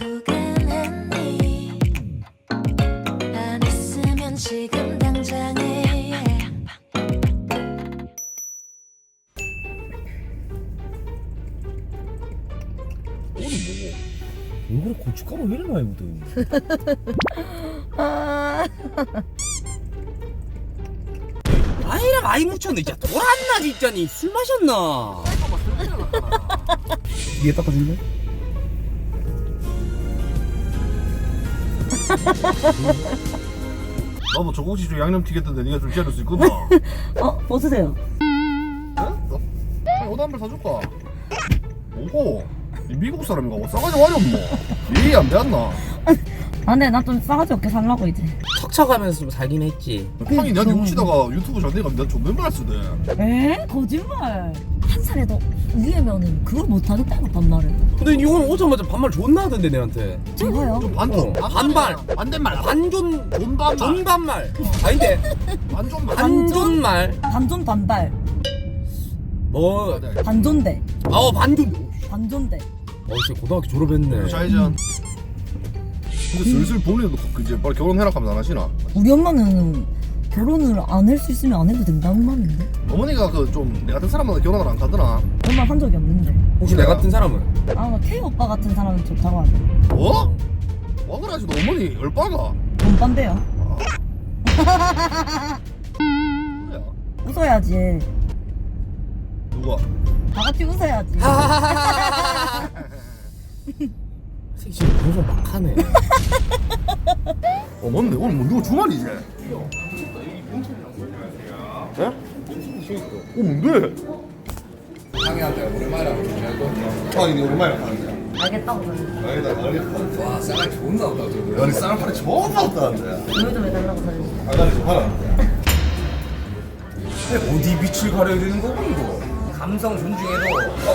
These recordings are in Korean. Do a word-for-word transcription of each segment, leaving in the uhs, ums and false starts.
두근했니 안 했으면 지금 당장에 오늘 뭐 얼굴에 고춧가루 왜 이리 많이 묻어? 아, 아이랑 아이 묻혔네. 진짜 돌았나 진짜니. 술 마셨나? 위에 닦아줄래? 나도 조금씩 좀 양념 튀겼던데 네가 좀 재울 수 있구나. 어, 벗으세요. 어? 옷 한 벌 사줄까? 오고 미국 사람인가 뭐 싸가지 와려 뭐 이해 안 되었나? 아, 근데 나 좀 싸가지 없게 살라고 이제. 척척하면서 좀 살긴 했지. 형이 내한테 훔치다가 유튜브 잘 되니까 내가 존댓말 할 수도 해. 에? 거짓말. 한 살에도 위에면은 그걸 못하겠다고 반말을. 근데 이건 오자마자 반말 존나 하던데 내한테. 제가요? 좀 반전 어, 반발. 반대말 반존 존반말 존반말. 아닌데 반존말 반존말. 반존 반발. 뭐? 반존대. 어 반존. 반존대. 어 진짜 고등학교 졸업했네. 좌회전. 근데 슬슬 본인도 그 이제 빨리 결혼해라 하면 안 하시나? 우리 엄마는 결혼을 안 할 수 있으면 안 해도 된다는 말인데. 어머니가 그 좀 내 같은 사람한테 결혼을 안 가더나. 그런 말 한 적이 없는데. 혹시 내 같은 사람은? 아, 나 K 오빠 같은 사람은 좋다고 하네. 뭐? 와 그래가지고 어머니 열빠가. 돈반대요. 그래야. 웃어야지. 누가? 다 같이 웃어야지. 새끼 지금 방송 막 하네. 어 맞네 오늘 뭐 누가 주말이지? 예? 어 뭔데? 상이한테 오랜만이라고 준비하고 아니 네 오랜만에 가는데. 알겠다고 그러는데. 알겠다 알겠다. 와 쌀이 좋은가 보다 저거 아니 쌀 팔이 존나 없다는데. 조회 좀 해달라고 그러는데. 아가리 좀 하라. 어디 빛을 가려야 되는 거고 이거 감성 존중해도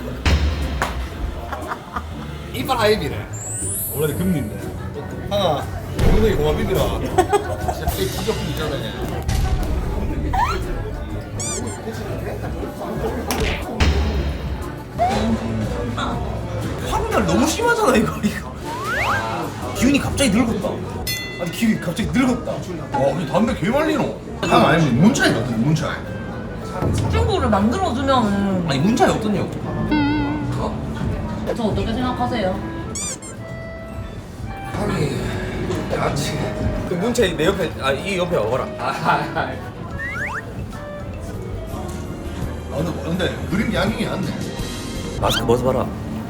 이빨 하이비네 원래 금리인데. 하나 엉덩이 고맙이더라. 진짜 이 지저분이잖아. 황달 너무 심하잖아 이거 이거 기운이 갑자기 늙었다 아니 기운이 갑자기 늙었다 와 근데 담배 개 말리노. 하나 아니면 문차이 어떤 문차이? 친구를 만들어주면은. 아니 문자에 어떠냐고 저 어떻게 생각하세요? 아니 야지 그 문채 내 옆에 아 이 옆에 와봐라. 아 근데 근데 그림 양갱이 낫네. 마스크 벗어봐라.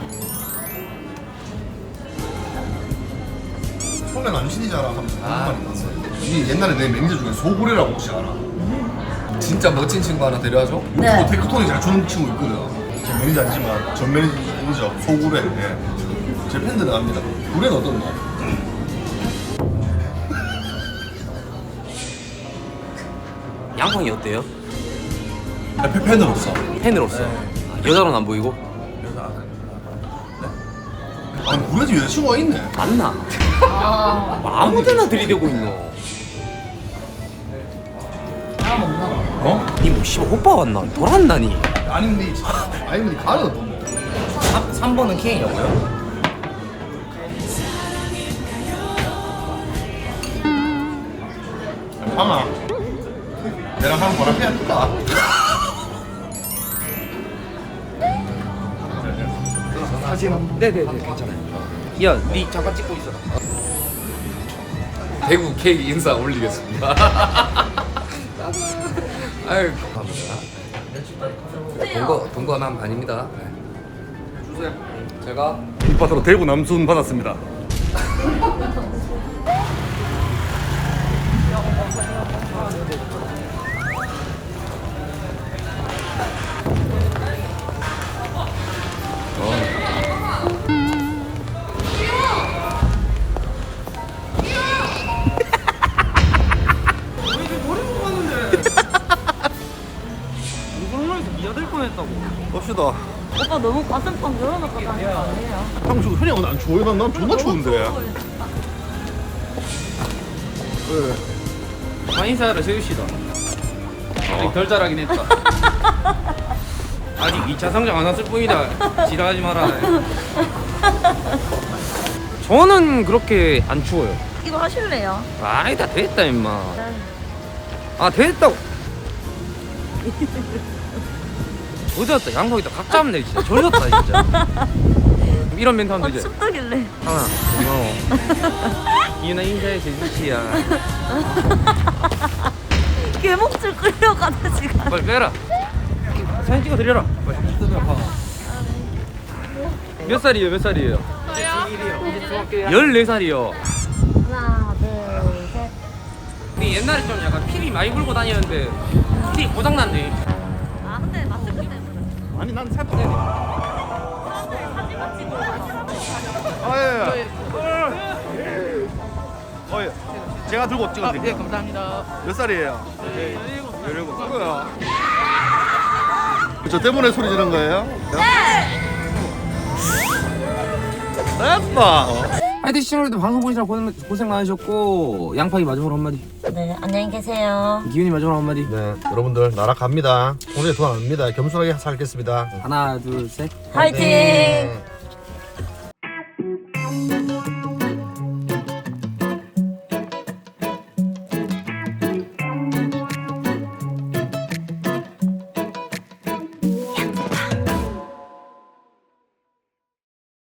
소면 안 신이잖아 하면서 하는 말이 났어. 이 옛날에 내 매니저 중에 소고래라고 혹시 알아? 진짜 멋진 친구 하나 데려와줘 네. 뭐 테크톤이 잘 주는 친구 있거든. 제 매니저 아니지만 전 매니저 소고래. 예. 제 팬들은 압니다. 고래는 어떤데? 양팡이 어때요? 아, 팬으로서. 팬으로서. 여자로는 안 보이고? 아니 고래 집 여자친구가 있네. 맞나? 뭐 아무데나 들이대고 있노. 사람 없나? 어? 니뭐 씨발 오빠 왔나? 돌았나니? 아니 근데 이- 아니 근데 가는 어떤데? 삼 번은 K라고요? 아니 하나. 내랑 하는 거랑 해야 될까? 네네네 괜찮아요. 야, 니 잠깐 찍고 있어. 대구 K 인사 올리겠습니다 아유 감사합니다 동거 동거 남 아닙니다 주세요 제가 빗밭으로 대구 남순 받았습니다. 갑시다. 오빠 너무 가슴빵 열어놓고 다니는 거 아니에요? 형, 저 현이 형은 안 추워요? 난, 난 존나 추운데. 인사를 세우시다. 아직 덜 자라긴 했다. 아직 이 차 성장 안 왔을 뿐이다. 지랄하지 마라. 저는 그렇게 안 추워요. 이거 하실래요? 아니다 됐다 임마. 아 됐다고. 어디 갔다 양석이다 각 잡네 진짜. 저렸다 진짜. 이런 멘트 하면 어, 되지. 춥다길래. 하나 고마워. 이윤아 인사해 제주씨야. 개목줄 끌려가다 지금. 빨리 빼라. 사진 찍어 드려라. 빨리. 몇 살이에요? 몇 살이에요? 저요? 열네 살이요. 하나, 둘, 셋. 근데 옛날에 좀 약간 피리 많이 불고 다녔는데 피리 고장났네. 아, 근데 마스크 때문에. 아니 난 살 빼네. 아예. 어 예. 제가 들고 찍어드릴게요. 예 감사합니다. 몇 살이에요? 네. 열일곱. 그거야. 저 때문에 소리 지른 거예요? 네. 예뻐. 하여튼 시청자들도 방송 보시느라 고생, 고생 많으셨고 양파이 마지막으로 한마디. 네, 안녕히 계세요. 기훈이 마지막으로 한마디. 네, 여러분들 나라 갑니다. 오늘 돈 안 옵니다. 겸손하게 살겠습니다. 하나 둘 셋. 화이팅! 네.